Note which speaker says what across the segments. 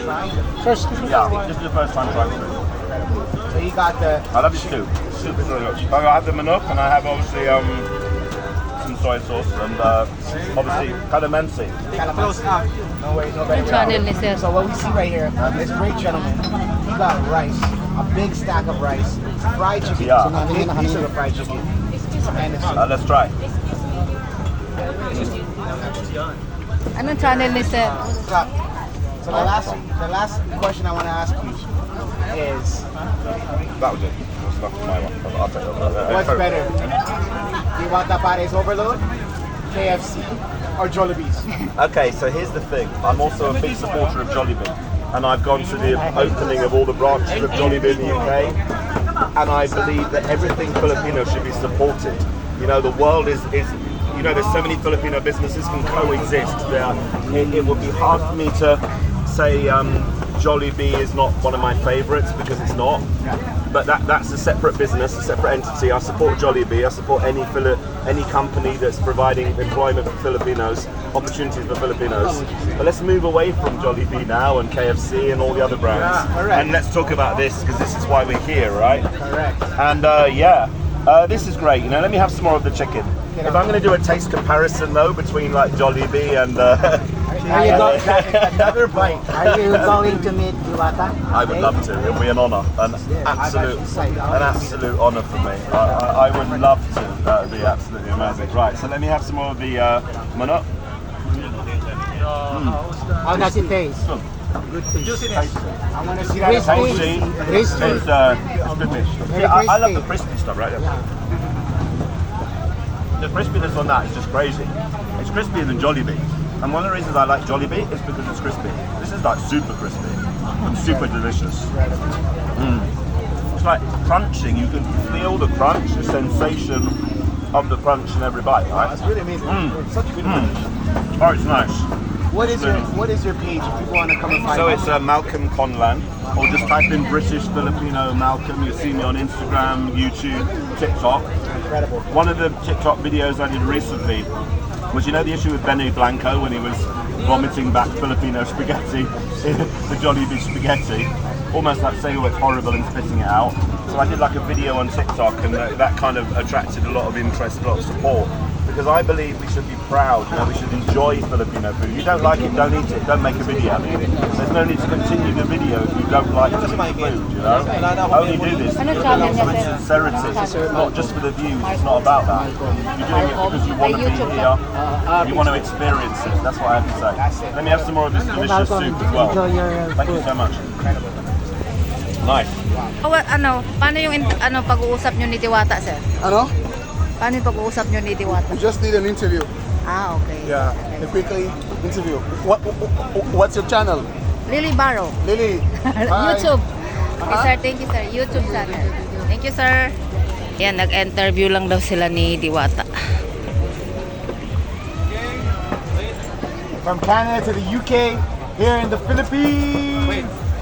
Speaker 1: trying?
Speaker 2: Yeah, this is the first time trying it.
Speaker 1: So you got the...
Speaker 2: I love it too. Super very much. I have the manok and I have obviously some soy sauce and obviously calamansi.
Speaker 1: Calamansi. No way, no better.
Speaker 3: Channel ni sir.
Speaker 1: So what we see right here, this great gentleman, he got rice, a big stack of rice, fried chicken,
Speaker 2: Yeah.
Speaker 1: a big piece of the fried chicken, and it's
Speaker 2: Let's try.
Speaker 3: Anong channel ni sir?
Speaker 1: So the last question I want to ask you is,
Speaker 2: That was it. That's enough for my one. I'll take that.
Speaker 1: what's better? Diwata Pares Overload, KFC, or Jollibee's?
Speaker 2: Okay, so here's the thing. I'm also a big supporter of Jollibee, and I've gone to the opening of all the branches of Jollibee in the UK, and I believe that everything Filipino should be supported. You know, the world is you know, there's so many Filipino businesses can coexist. It would be hard for me to say Jollibee is not one of my favourites because it's not. But that's a separate business, a separate entity. I support Jollibee. I support any company that's providing employment for Filipinos, opportunities for Filipinos. But let's move away from Jollibee now and KFC and all the other brands.
Speaker 1: Yeah, correct.
Speaker 2: And let's talk about this because this is why we're here, right?
Speaker 1: Correct.
Speaker 2: And this is great. You know, let me have some more of the chicken. If I'm going to do a taste comparison though between like Jollibee and
Speaker 1: Are you another bite?
Speaker 4: Are you going to meet Diwata?
Speaker 2: I would love to. It would be an honour, an absolute honour for me. I would love to. That would be absolutely amazing. Right, so let me have some more of the manok.
Speaker 4: How does it taste?
Speaker 1: Good fish. I want to see that.
Speaker 2: Tasty.
Speaker 4: Crispy.
Speaker 2: It's good fish.
Speaker 4: Very
Speaker 2: Yeah, I love the
Speaker 4: crispy.
Speaker 2: crispy stuff right there. The crispiness on that is just crazy. It's crispier than Jollibee. And one of the reasons I like Jollibee is because it's crispy. This is like super crispy and super delicious. It's like crunching. You can feel the crunch, the sensation of the crunch in every bite, right?
Speaker 1: It's really amazing. It's such a good fish.
Speaker 2: Oh, it's nice.
Speaker 1: What is your page if people want to come and find
Speaker 2: So
Speaker 1: you?
Speaker 2: it's Malcolm Conlan, or just type in British Filipino Malcolm. You'll see me on Instagram, YouTube, TikTok.
Speaker 1: Incredible.
Speaker 2: One of the TikTok videos I did recently was, you know, the issue with Benny Blanco when he was vomiting back Filipino spaghetti, the Jollibee spaghetti, almost like saying, oh, it's horrible and spitting it out. So I did like a video on TikTok, and that kind of attracted a lot of interest, a lot of support. Because I believe we should be proud, you know, we should enjoy Filipino food. If you don't like it, don't eat it, don't make a video out of it. There's no need to continue the video if you don't like food, you know? Only do this
Speaker 3: Ano
Speaker 2: with
Speaker 3: channel niya, sir?
Speaker 2: sincerity, not just for the views, it's not about that. You're doing it because you want to be here, you want to experience it, that's what I have to say. Let me have some more of this delicious soup as well.
Speaker 4: Enjoy your
Speaker 2: Thank you so much. Nice.
Speaker 3: Paano yung pag-uusap nyo ni Diwata, sir?
Speaker 5: Ano?
Speaker 3: Paano yung pag-uusap nyo ni Diwata?
Speaker 5: We just need an interview.
Speaker 3: Ah, okay.
Speaker 5: Yeah, a quickly interview. What's your channel?
Speaker 3: Lily Barrow.
Speaker 5: Lily. Hi.
Speaker 3: YouTube. Okay, sir. Thank you, sir. YouTube channel. Thank you, sir. Yan, nag-interview lang daw sila ni Diwata.
Speaker 1: From Canada to the UK, here in the Philippines.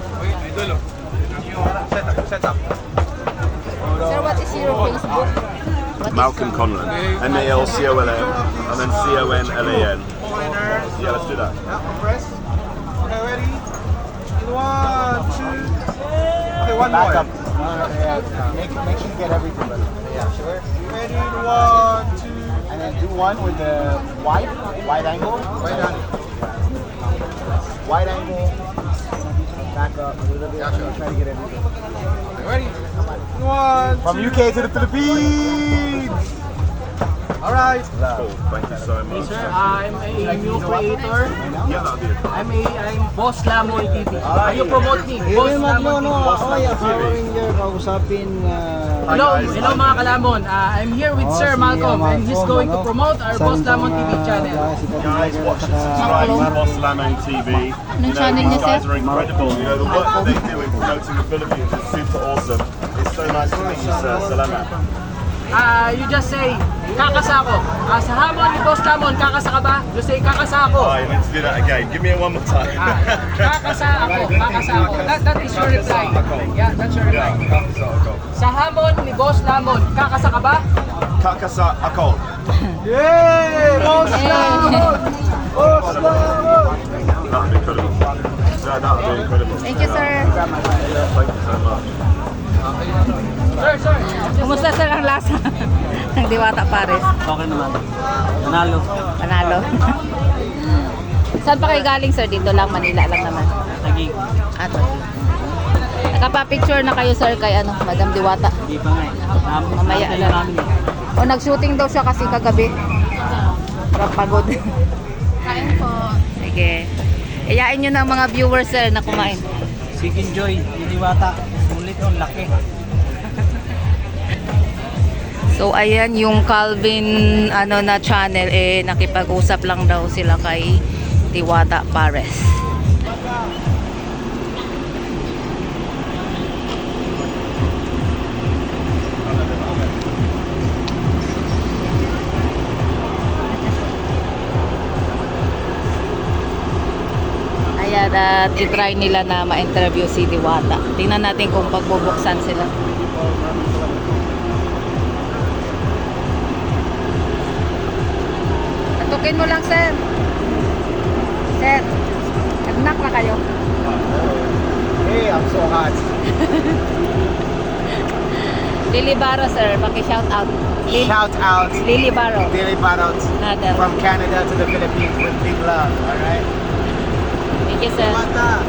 Speaker 3: Sir, what is your Facebook?
Speaker 2: Malcolm Conlan, MALCOLM, and then CONLAN. Yeah, let's do that.
Speaker 6: Press. Okay, ready? In 1, 2. Okay, one
Speaker 1: Back
Speaker 6: more.
Speaker 1: up. Make sure you get everything. Yeah, sure.
Speaker 6: Ready? 1, 2.
Speaker 1: And then do one with the wide angle.
Speaker 6: Right on.
Speaker 1: Wide angle. Back up a little bit.
Speaker 6: Gotcha.
Speaker 1: Try to get everything.
Speaker 6: Okay, ready? 1,
Speaker 1: From
Speaker 6: 2.
Speaker 1: UK to the Philippines.
Speaker 6: Alright.
Speaker 2: Cool, thank you so much.
Speaker 7: Sir, I'm a new creator.
Speaker 2: Yeah, that'll be it.
Speaker 7: I'm Boss Lamon TV. Are you promote me? Boss Lamon TV.
Speaker 4: Ako yung Power Ranger, kausapin.
Speaker 7: Hello mga kalamon. I'm here with Sir Malcolm and he's going to promote our Boss Lamon TV channel.
Speaker 2: Guys, watch and subscribe to Boss Lamon TV. You know,
Speaker 3: channel
Speaker 2: these
Speaker 3: niya,
Speaker 2: guys
Speaker 3: sir?
Speaker 2: are incredible. You know, the work that they do in promoting the Philippines is super awesome. It's so nice to meet you, sir. Salamat.
Speaker 7: You just say, kakasa ako. Sa hamon ni Boss Lamon, kakasa ka ba? You say, kakasa ako.
Speaker 2: Alright, let's do that again. Give me it one more time.
Speaker 7: Kakasa ako, kakasa ako. That is your reply. Yeah, that's your reply. Sa hamon ni Boss Lamon, kakasa ka ba?
Speaker 2: Kakasa ako.
Speaker 1: Yay! Boss Lamon! Boss Lamon!
Speaker 2: That'd be cool. Yeah, that would be incredible.
Speaker 3: Thank you, sir.
Speaker 2: Thank you so much.
Speaker 3: Kumusta, sir, ang lasa ng Diwata Pares?
Speaker 4: Okay naman. Nanalo.
Speaker 3: Panalo. Saan pa kayo galing, sir? Dito lang, Manila lang naman.
Speaker 4: Naging.
Speaker 3: Ato. Nakapa-picture na kayo, sir, kay ano, Madam Diwata.
Speaker 4: Hindi pa nga eh.
Speaker 3: Mamaya
Speaker 4: Namin
Speaker 3: lang.
Speaker 4: namin eh.
Speaker 3: O, nag-shooting daw siya kasi kagabi. Parang pagod.
Speaker 8: Kain po.
Speaker 3: Sige. Iyain nyo na ang mga viewers, sir, na kumain.
Speaker 4: Chicken Joy, Diwata. Sulit yung laki.
Speaker 3: So, ayan yung Calvin na channel, nakipag-usap lang daw sila kay Diwata Pares. Ayan, at itry nila na ma-interview si Diwata. Tingnan natin kung pagbubuksan sila. Tukin mo lang, sir. Sir, nag-knock na kayo.
Speaker 1: Hey, I'm so hot.
Speaker 3: Lily Baro, sir. Paki-shout out.
Speaker 1: Shout out
Speaker 3: Lily Baro.
Speaker 1: Daily Barot
Speaker 3: Nadal.
Speaker 1: from Canada to the Philippines with big love. All right.
Speaker 3: Thank you, sir.
Speaker 1: Mata.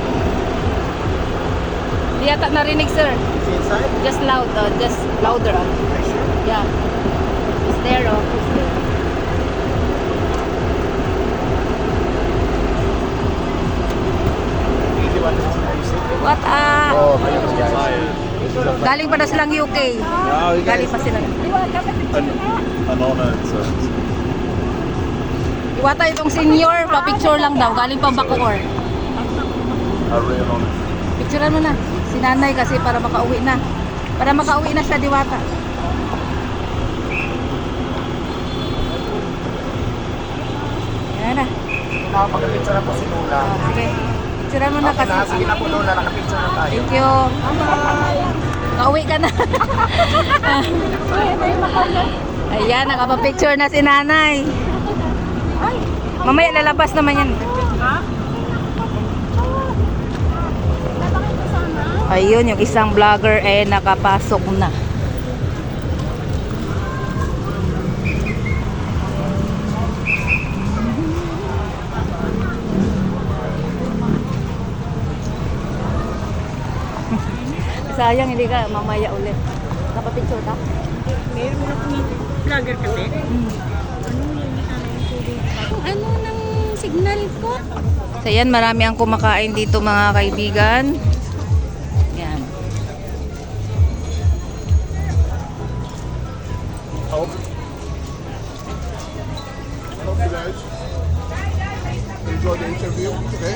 Speaker 3: Di yata narinig, sir.
Speaker 1: Is he inside?
Speaker 3: Just loud, just louder.
Speaker 1: Are you sure?
Speaker 3: Yeah. It's there, it's there.
Speaker 1: Easy one. Are you sick?
Speaker 3: What
Speaker 1: Oh, my goodness.
Speaker 3: Galing pa na silang UK. Galing pa sila.
Speaker 2: An honor.
Speaker 3: Iwata itong senior, pa-picture lang daw. Galing pa Bacoor.
Speaker 2: A real honor.
Speaker 3: Picturean mo na. Si nanay kasi para makauwi na. Para makauwi na siya, Diwata. Yan na.
Speaker 1: Nakapag-picture na po si Lula.
Speaker 3: Sige. Picturean mo na
Speaker 1: Okay
Speaker 3: kasi.
Speaker 1: na, sige na po Lula. Nakapicture na tayo.
Speaker 3: Thank you. Kauwi ka na. Ayan, nakapapicture na si nanay. Mamaya lalabas naman yan. Ayun, yung isang vlogger nakapasok na. Sayang, hindi ka mamaya ulit. Napapicture ka?
Speaker 8: Meron mo vlogger kasi. Ano ng signal ko?
Speaker 3: So yan, marami ang kumakain dito mga kaibigan. Yan.
Speaker 5: Hope you guys enjoy the interview. Okay.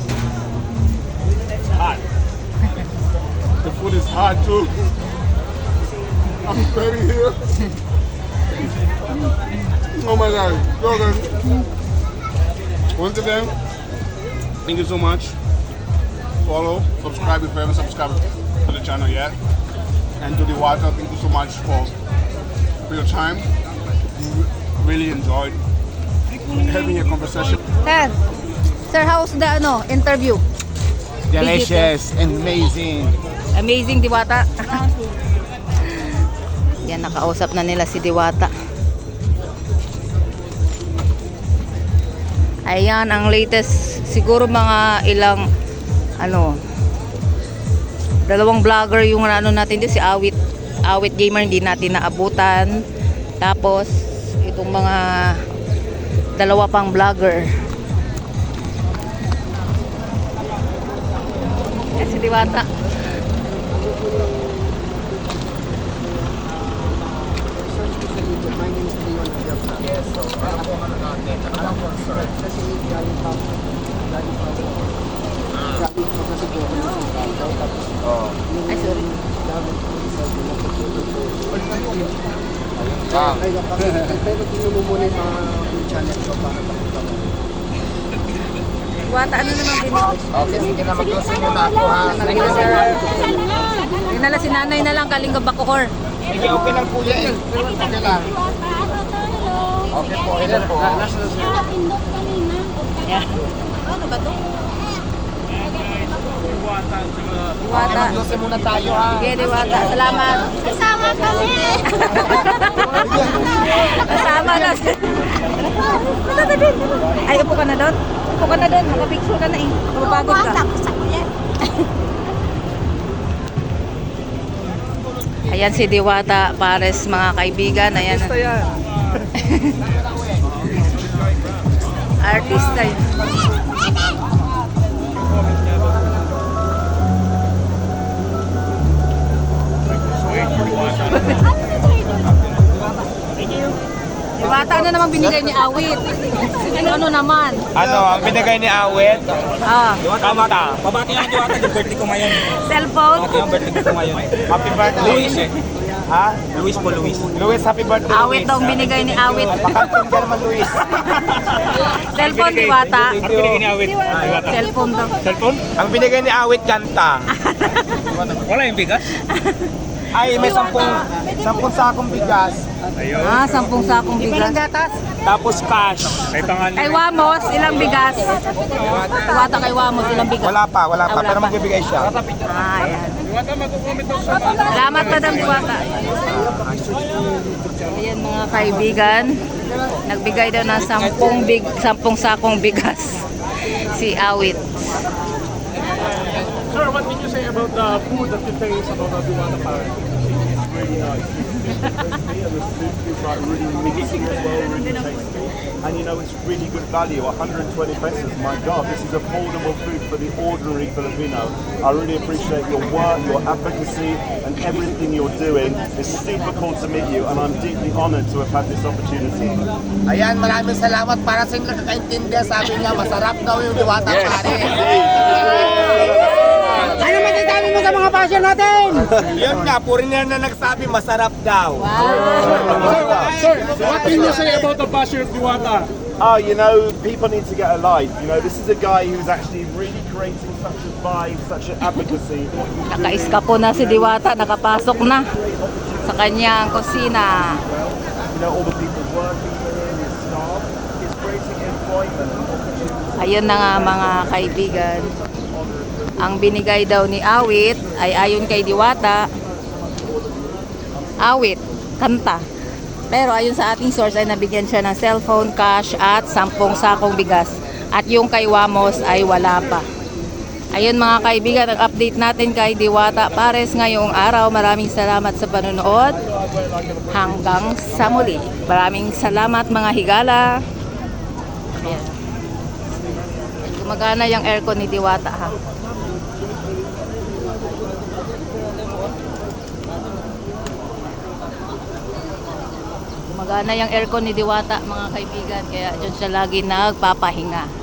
Speaker 5: It's hot. The food is hot too. I'm sweating here. Oh my God. Okay. Once again, thank you so much. Follow, subscribe if you haven't subscribed to the channel yet. And to the water, thank you so much for your time. Really enjoyed having a conversation.
Speaker 3: Sir, how's the interview?
Speaker 1: Delicious and amazing.
Speaker 3: Amazing, Diwata. Yan, nakausap na nila si Diwata. Ayan, ang latest, siguro mga ilang, dalawang vlogger yung natin dito, si Awit Gamer, hindi natin naabutan. Tapos, itong mga dalawa pang vlogger. Yan si Diwata. Ay, sorry. Diwata, ano naman pinag?
Speaker 1: Okay, sige na. Mag-closing muna ako ha.
Speaker 3: Thank you, sir. Dinala si nanay na lang, Kalinga Bacoor.
Speaker 1: Sige, okay lang po yan. Okay lang. Okay po, ilan po?
Speaker 3: Yeah. Diwata.
Speaker 1: Mag-12 muna tayo ha.
Speaker 3: Sige, Diwata. Salamat.
Speaker 8: Kasama kami.
Speaker 3: Kasama na. Ay, upo ka na doon. Upo ka na doon. Nakapicture ka na eh. Mapagod ka. Ayan si Diwata, Pares, mga kaibigan. Ayan. Artista yun. Diwata, ano naman binigay ni Awit? Ano naman?
Speaker 6: Ano, ang binigay ni Awit?
Speaker 3: Ah,
Speaker 6: Kanta. Pabati ang Diwata, yung birthday ko ngayon.
Speaker 3: cellphone?
Speaker 6: Pabati ang birthday ko ngayon. Happy birthday. Luis eh. Ha? Luis po, Luis. Luis, happy birthday,
Speaker 3: Awit daw ang binigay ni Awit.
Speaker 6: Pakantong ka naman, Luis.
Speaker 3: Cellphone, Diwata.
Speaker 6: Ang binigay ni Awit.
Speaker 3: Cellphone daw.
Speaker 6: Cellphone? Ang binigay ni Awit, kanta. Wala yung bigas? Ay, may 10 sakong bigas.
Speaker 3: Ah, 10 sakong bigas.
Speaker 6: Tapos cash.
Speaker 3: Kay Wamos, ilang bigas? Diwata kay Wamos, ilang bigas?
Speaker 6: Wala pa.
Speaker 3: Wala
Speaker 6: Pero
Speaker 3: pa.
Speaker 6: magbibigay siya.
Speaker 3: Ah, ayan. Salamat, Madam Diwata. Ayan mga kaibigan, nagbigay daw ng 10 sakong bigas si Awit.
Speaker 9: Sir, what can you say about the food that you taste about the Diwata Park? It's really nice. And the soup is like really meaty as well, really tasty. And you know, it's really good value, 120 pesos. My God, this is affordable food for the ordinary Filipino. I really appreciate your work, your advocacy, and everything you're doing. It's super cool to meet you, and I'm deeply honored to have had this opportunity.
Speaker 1: Ayan, maraming salamat para sa inyong nakakaintindi. Sabi niya, masarap daw yung Diwata pare.
Speaker 6: Ano masasabi mo sa mga passion natin? Yun nga, puri na nagsabi, masarap daw.
Speaker 9: Sir, what can you say about the Bashir Diwata?
Speaker 2: Oh, you know, people need to get a life. You know, this is a guy who's actually really creating such a vibe, such an advocacy.
Speaker 3: Nakaiskapo na si Diwata, nakapasok na sa kanyang kusina.
Speaker 2: You know, all the people working for him, his staff. He's creating employment and opportunity.
Speaker 3: Ayun na nga mga kaibigan. Ang binigay daw ni Awit ay ayon kay Diwata. Awit, kanta. Pero ayon sa ating source ay nabigyan siya ng cellphone, cash at 10 sakong bigas. At yung kay Wamos ay wala pa. Ayun mga kaibigan, ang update natin kay Diwata Pares ngayong araw. Maraming salamat sa panonood. Hanggang sa muli. Maraming salamat mga higala. Ayan. Gumagana yung aircon ni Diwata ha. Gumagana yung aircon ni Diwata mga kaibigan. Kaya dyan siya lagi nagpapahinga.